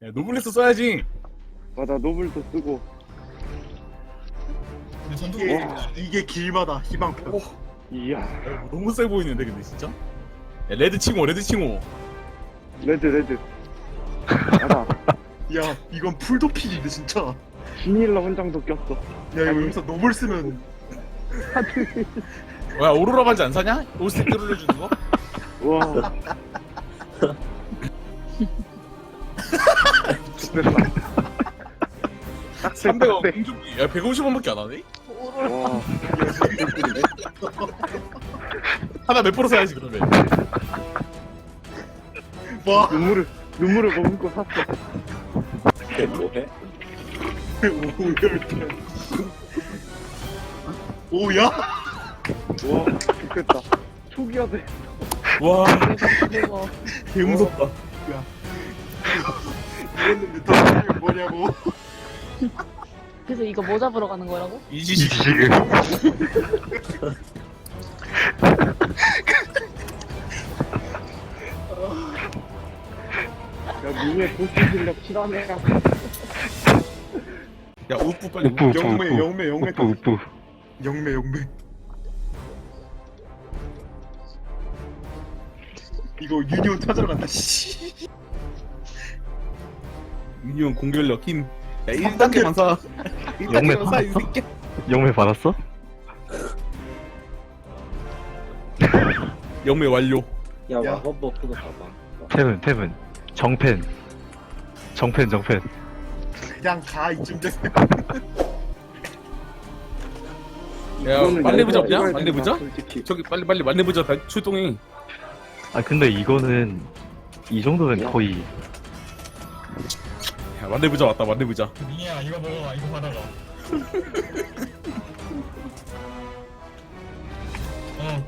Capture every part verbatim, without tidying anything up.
야, 노블레스 써야지. 맞아, 노블도 쓰고. 근데 전투 이게, 와. 이게 길마다 희망편. 오, 이야. 야, 너무 세 보이는데 근데 진짜. 야, 레드 칭호, 레드 칭호. 레드, 레드. 맞아. 야, 이건 풀도픽인데 진짜. 비닐러 훈장도 꼈어. 야, 이거 여기서 노블 쓰면 야, 오로라 반지 안 사냐? 올스택 들어주는 거? 우와. 좋겠다. 삼백 원 공중비. 야, 백오십 원밖에 안 하네? 와. 하나 몇 프로 사야지 그러면. 와, 눈물을, 눈물을 머금고 샀어. 뭐해? 오열편. 오야? 와, 좋겠다. 초기화 돼. 와, 대박. 개 무섭다. 이랬는데 더 뭐냐고. 그래서 이거 뭐 잡으러 가는 거라고? 이지식. 야, 니네 보스 실력 실화네. 야, 우프 빨리. 우프 우프 영매, 우프 영매, 영매. 우프 우프 영매, 영매. 이거 유니온 찾으러 간다. 씨. 미니언 공격력 힘. 야, 일 단계만 사. 일 영매 단계만 사, 이 받았어? 새끼. 영매 받았어? 영매 완료. 야, 야. 마법 버프도 봐봐. 템은 템은 정펜 정펜 정펜 그냥 가 이쯤 돼서. 야, 이거는 만렙 내가 잡냐? 찍어야 만렙 된다, 잡? 솔직히. 저기 빨리 빨리 만렙 잡 출동해. 아 근데 이거는 이 정도면 거의 야, 만렙 잡 왔다. 만렙 잡. 민이야 이거 먹어봐 이거 받아가 어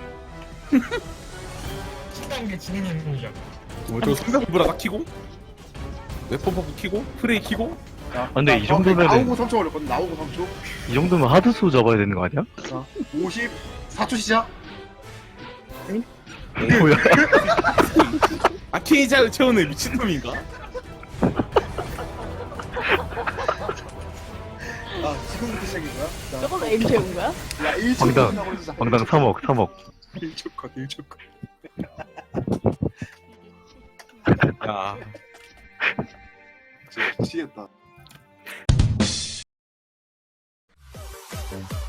십 단계 지능 행동이야 뭐 저거 상대부라 딱 키고 웨폰 퍼프 키고 프레이 키고. 야, 근데 나- 이 나 정도면은- 나오고 삼 초 걸렸거든. 나오고 삼 초. 이 정도면 하드수 잡아야 되는 거 아니야? 오십 사 초 시작. 뭐야? 아케이자를 채우는 미친놈인가? 아, 지금부터 시작인 거야? 자, 저걸로 에임 채운 거야? 야, 일 초 방당. 끝나고 시작. 방당 삼억 삼억 일 초 컷, 일 초 컷. 야, 진짜 미치겠다.